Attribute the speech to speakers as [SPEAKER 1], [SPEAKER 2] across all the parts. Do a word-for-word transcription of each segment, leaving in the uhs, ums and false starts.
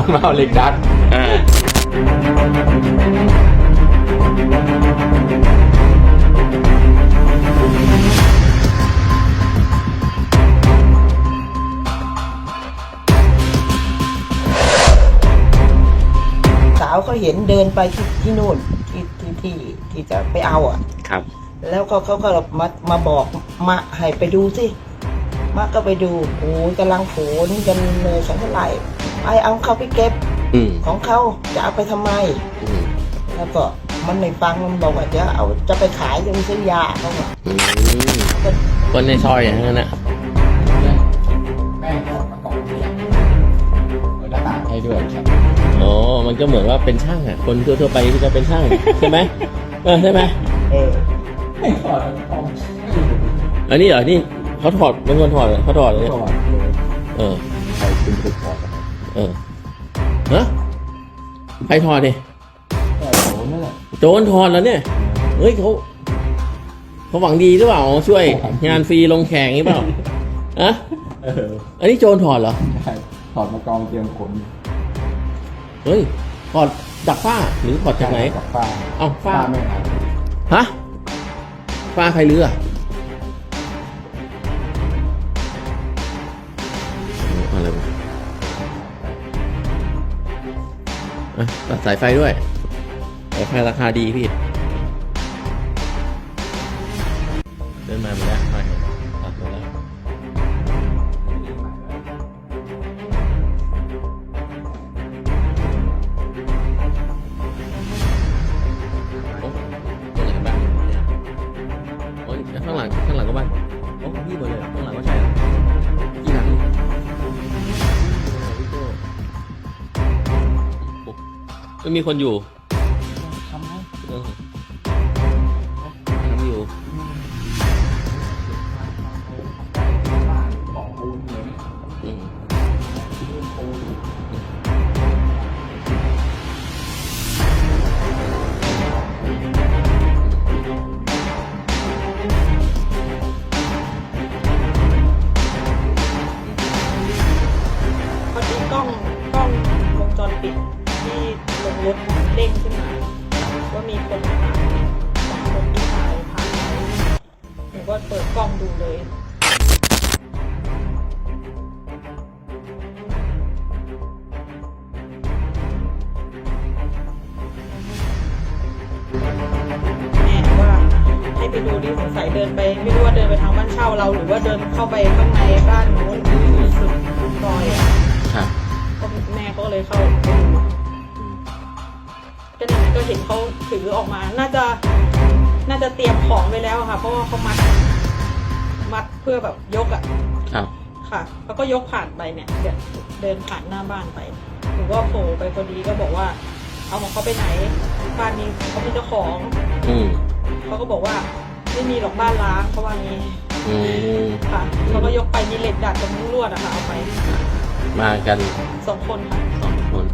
[SPEAKER 1] มันมาเอาเหล็กดัด
[SPEAKER 2] อ่า
[SPEAKER 3] สาวเขาเห็นเดินไปที่ที่นู่นที่ที่ที่ที่จะไปเอาอ่ะ
[SPEAKER 2] ครับ
[SPEAKER 3] แล้วก็เขาก็มามาบอกมาให้ไปดูสิมาก็ไปดูโอ้ยกำลังโผล่นี่กันเลยสังเท่าไหร่ไปเอาเขาไปเก็บของเขาจะเอาไปทำไมแล้วก็มันไม่ฟังมันบอกว่าจะเอาจะไปขายจะไปซื้อยาเขาบอก
[SPEAKER 2] คนในซอยอย่างนั้นนะ
[SPEAKER 1] แม่ถอดมากล่องเรียนเปิดหน้าต่างให้ด้วยครับ
[SPEAKER 2] อ๋อมันก็เหมือนว่าเป็นช่างอ่ะคนทั่วๆไปที่จะเป็นช่างใช่ไหมเออใช่ไหม
[SPEAKER 1] เออไม่ถอด
[SPEAKER 2] อันนี้เหรอนี่เขาถอดเป็นคนถอดเขาถอดเลยเออ
[SPEAKER 1] ใครเป็นคนถอด
[SPEAKER 2] เออฮะใครถอดเนี่ย
[SPEAKER 1] โจรนั่นแหละ
[SPEAKER 2] โจรถอดแล้วเนี่ยเฮ้ยเขาเขาหวังดีหรือเปล่าช่วยงานฟรีลงแข่งนี้เปล่าอะ
[SPEAKER 1] เออ
[SPEAKER 2] อันนี้โจรถอดเหรอ
[SPEAKER 1] ใช่ถอดมากองเตรียมขน
[SPEAKER 2] เฮ้ยถอดจากฝ้าหรือถอดจากไหน
[SPEAKER 1] จากฝ้า
[SPEAKER 2] เอ้าฝ้า
[SPEAKER 1] ไม่หาย
[SPEAKER 2] ฮะฝ้าใครเลืออะไรวะอ่ะตัดสายไฟด้วยสายไฟราคาดีพี่เดินมาหมดแล้วไปตัดหมดแล้วข้างหลังข้างหลังก็บ้านโอ้พี่หมดเลยข้างหลังก็ใช่กี่หลังไม่มีคนอยู่
[SPEAKER 1] ทำไม
[SPEAKER 2] ทำอยู่
[SPEAKER 3] กล้องกล้องวงจรปิดที่ลงรถเด้งขึ้นมาว่ามีคนผ่านสองคนที่ถ่ายผ่านหนูก็เปิดกล้องดูเลยแม่ว่าให้ไปดูดิสงสัยเดินไปไม่รู้ว่าเดินไปทางบ้านเช่าเราหรือว่าเดินเข้าไปข้างในบ้านนู้นสุดซอยอ่ะก็แม่ก็เลยเข้าไปดูก็นี่ก็เห็นเขาถือออกมาน่าจะน่าจะเตรียมของไว้แล้วค่ะเพราะว่าเขามัดมัดเพื่อแบบยกอ่ะ
[SPEAKER 2] ครับ
[SPEAKER 3] ค่ะแล้วก็ยกผ่านไปเนี่ยเดินผ่านหน้าบ้านไปหนูก็โผล่ไปพอดีก็บอกว่าเอาของเขาไปไหนบ้านนี้เขาเป็นเจ้าของ
[SPEAKER 2] อืม
[SPEAKER 3] เขาก็บอกว่าไม่มีหรอกบ้านล้างเขาว่างี้
[SPEAKER 2] อืม
[SPEAKER 3] ค่ะเขาก็ยกไปมีเหล็กดัดกับมุ้งลวดอะค่ะเอาไป
[SPEAKER 2] มากัน
[SPEAKER 3] สองคนค่ะ
[SPEAKER 2] สองคน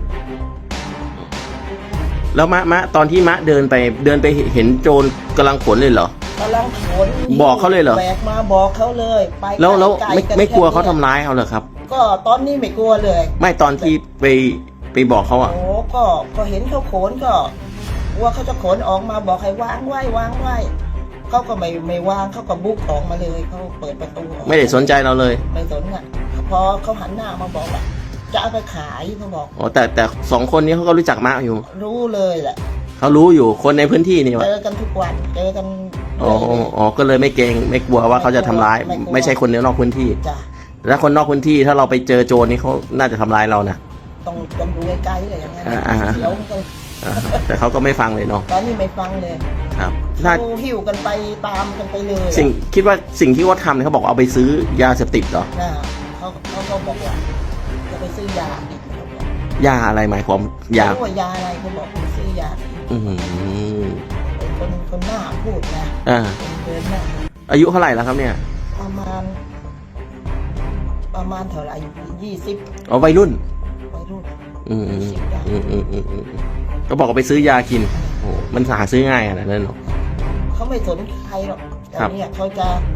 [SPEAKER 2] แล้วมะมะตอนที่มะเดินไปเดินไปเห็นโจรกำลังขนเลยเหรอก
[SPEAKER 3] ำลังขน
[SPEAKER 2] บอกเขาเลยเหรอ
[SPEAKER 3] แบกมาบอกเขาเลยไป
[SPEAKER 2] แล้วแล้วไม่ไม่กลัวเขาทำร้ายเขาเหรอครับ
[SPEAKER 3] ก็ตอนนี้ไม่กลัวเลย
[SPEAKER 2] ไม่ตอนที่ไปไปบอกเขาอ่ะ
[SPEAKER 3] โอ้ก็ก็เห็นเขาขนก็ว่าเขาจะขนออกมาบอกให้วางไว้วางไว้เขาก็ไม่ไม่วางเขาก็บุกออกมาเลยเขาเปิดประตู
[SPEAKER 2] ไม่ได้สนใจเราเลย
[SPEAKER 3] ไม่สนอ่ะพอเขาหันหน้ามาบอกว่าจะเอาไปขายเขาบอก
[SPEAKER 2] อ๋อแต่แต่สองคนนี้เขาก็รู้จักมะอยู่
[SPEAKER 3] รู้เลยแหละ
[SPEAKER 2] เขารู้อยู่คนในพื้นที่นี่วะ
[SPEAKER 3] เจอกันทุกวันเจอกัน
[SPEAKER 2] อ๋ออ๋อก็เลยไม่เกรงไม่กลัวว่าเขาจะทำร้ายไม่ใช่คนนอกพื้นที่แล้วคนนอกพื้นที่ถ้าเราไปเจอโจรนี่เขาน่าจะทำร้ายเรานะ
[SPEAKER 3] ต้องต้องดูใกล้ๆเลยอย่างนั้นเดี๋ยว
[SPEAKER 2] แต่เขาก็ไม่ฟังเลยเนาะ
[SPEAKER 3] ตอนนี้ไม่ฟังเลย
[SPEAKER 2] ครับ
[SPEAKER 3] เขาหิ้วกันไปตามกันไปเลย
[SPEAKER 2] สิ่งคิดว่าสิ่งที่เขาทำเนี่ยเขาบอกเอาไปซื้อยาเสพติดเหรอ
[SPEAKER 3] เขาเขาเขาบอกว่าจะไปซื้อย
[SPEAKER 2] ายาอะไรหมายความยา
[SPEAKER 3] เขาบอกยาอะไรเขาบอกไปซื้อยา
[SPEAKER 2] อืม
[SPEAKER 3] คนคนหน้าพูดนะ
[SPEAKER 2] อ่า
[SPEAKER 3] เดินหน้า
[SPEAKER 2] อายุเท่าไหร่แล้วครับเนี่ย
[SPEAKER 3] ประมาณประมาณเท่าไหร่ยี่สิบ
[SPEAKER 2] อ๋อวัยรุ่น
[SPEAKER 3] วัยรุ่น
[SPEAKER 2] อืมอืมอืมอืมอืมก็บอกว่าไปซื้อยากินโอ้มันหาซื้อง่ายขนาดนั้นหรอ
[SPEAKER 3] เขาไม่สนใครหรอกแต่เนี่ยเขาจะ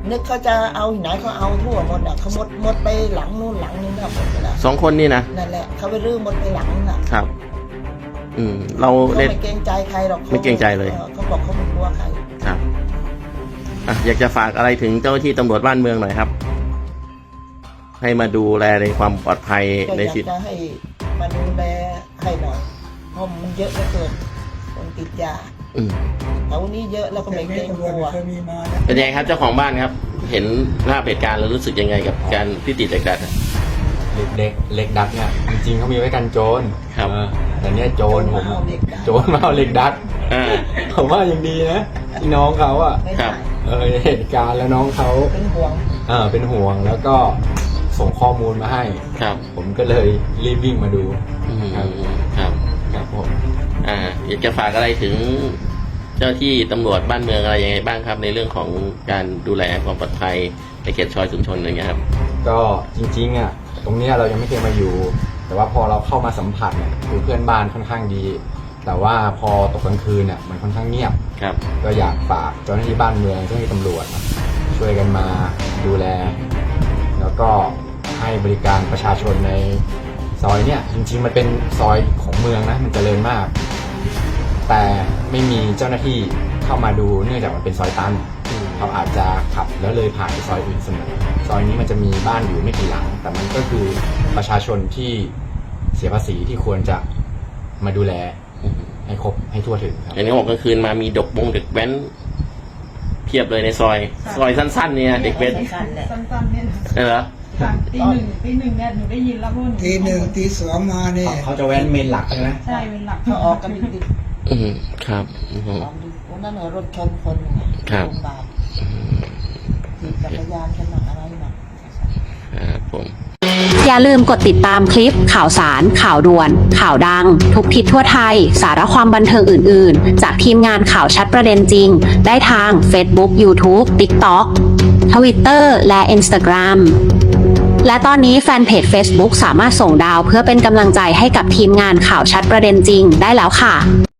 [SPEAKER 3] นึกเขาจะเอาที่ไหนเขาเอาทั่วหมดอ่ะเขาหมดหมดไปหลังนู่นหลังนี่นะหมดไปแล้ว
[SPEAKER 2] สองคนนี่นะ
[SPEAKER 3] นั่นแหละเขาไปรื้อหมดไปหลังน่ะ
[SPEAKER 2] ครับ อืม เรา
[SPEAKER 3] เขา
[SPEAKER 2] เล่น
[SPEAKER 3] ไม่เกรงใจใครหรอกขา
[SPEAKER 2] ไม่เกรงใจเลย
[SPEAKER 3] ออเขาบอกเขาไม่กลัวใคร
[SPEAKER 2] ครับอ่ะอยากจะฝากอะไรถึงเจ้าหน้าที่ตำรวจบ้านเมืองหน่อยครับ ให้มาดูแลในความปลอดภัย
[SPEAKER 3] ก็
[SPEAKER 2] ใน
[SPEAKER 3] อยาก
[SPEAKER 2] ชีวิต
[SPEAKER 3] จะให้มาดูแลให้หน่อยเพราะมันเยอะเหลือเกินคนติดยา
[SPEAKER 2] อืม
[SPEAKER 3] แถวนี้เยอะแล้วก็ไม่เกรงกลัว
[SPEAKER 2] เป็นยังไงครับเจ้าของบ้านครับ เห็นภาพเหตุการณ์แล้วรู้สึกยังไงกับการที่ติดเหล็กดัดอะ
[SPEAKER 1] เหล็กเด็กเหล็กดัดเนี่ยจริงๆเขามีไว้กันโจร
[SPEAKER 2] ครับ
[SPEAKER 1] เออแต่เนี้ยโจรผม
[SPEAKER 3] โจรมาเอาเหล็กดัด
[SPEAKER 1] โจรมาเอาเหล็กดัด
[SPEAKER 2] อ่า
[SPEAKER 1] ผมว่ายังดีนะที่น้องเขาอ่ะ
[SPEAKER 3] ไม่
[SPEAKER 2] ครั
[SPEAKER 3] ได้
[SPEAKER 2] บ
[SPEAKER 1] เออเหตุการณ์แล้วน้องเขา
[SPEAKER 3] เป็นห่วง
[SPEAKER 1] เออเป็นห่วงแล้วก็ส่งข้อมูลมาให้
[SPEAKER 2] ครับ
[SPEAKER 1] ผมก็เลยรีบวิ่งมาดู
[SPEAKER 2] อืม
[SPEAKER 1] ครับ
[SPEAKER 2] ครับ
[SPEAKER 1] ครับผม
[SPEAKER 2] อ่า อยากจะฝากอะไรถึงเจ้าหน้าที่ตำรวจบ้านเมืองอะไรยังไงบ้างครับ ในเรื่องของการดูแลความปลอดภัยในเขตซอยชุมชนอะไรเงี้ยครับ
[SPEAKER 1] ก็จริงๆอ่ะตรงเนี้ยเรายังไม่เคยมาอยู่ แต่ว่าพอเราเข้ามาสัมผัสเนี่ยคือเพื่อนบ้านค่อนข้างดี แต่ว่าพอตกกลางคืนเนี่ยมันค่อนข้างเงียบ
[SPEAKER 2] ครับ
[SPEAKER 1] ก็อยากฝากเจ้าหน้าที่บ้านเมืองเจ้าหน้าที่ตำรวจช่วยกันมาดูแล แล้วก็ให้บริการประชาชนในซอยเนี่ยจริงๆมันเป็นซอยของเมืองนะมันเจริญมาก แต่ไม่มีเจ้าหน้าที่เข้ามาดูเนื่องจากมันเป็นซอยตันเขาอาจจะขับแล้วเลยผ่านไปซอยอื่นเสมอซอยนี้มันจะมีบ้านอยู่ไม่กี่หลัง แต่มันก็คือประชาชนที่เสียภาษีที่ควรจะมาดูแล
[SPEAKER 2] อืม
[SPEAKER 1] ให้ครบให้ทั่วถึงครับ
[SPEAKER 2] เห็นเขาบอกกลางคืนมามีดกบงเด็กแว้นเพียบเลยในซอย ซอยสั้นๆ เนี่ยเด็กแว้น
[SPEAKER 3] สั้นๆแหละ
[SPEAKER 4] สั้นๆเนี่ยนะ
[SPEAKER 2] เออเหรอ
[SPEAKER 4] ค่ะตีหนึ่งตีหนึ่งเนี่ยหนูได้ยินแล้วเพราะว่านู
[SPEAKER 5] ทีหนึ่งทีสองมาเนี่ย
[SPEAKER 1] เขาจะแว้นเมนหลักใช่ไหม
[SPEAKER 4] ใช่เป็นหลัก
[SPEAKER 3] เขาออกกันดิบ
[SPEAKER 2] อืมครับอืม
[SPEAKER 3] ๆลองดูวันนั้นเหรอรถชนคนหนึ่งอะ
[SPEAKER 2] ครับ
[SPEAKER 3] โรงพยาบาลขี่จักรยานกันหนักอะไรหนัก
[SPEAKER 2] ครับผม
[SPEAKER 6] อย่าลืมกดติดตามคลิปข่าวสาร ข่าวด่วน ข่าวดัง ทุกทิศทั่วไทย สาระความบันเทิงอื่น ๆ จากทีมงานข่าวชัดประเด็นจริง ได้ทาง Facebook YouTube TikTok Twitter และ Instagram และตอนนี้แฟนเพจ Facebook สามารถส่งดาวเพื่อเป็นกำลังใจให้กับทีมงานข่าวชัดประเด็นจริงได้แล้วค่ะ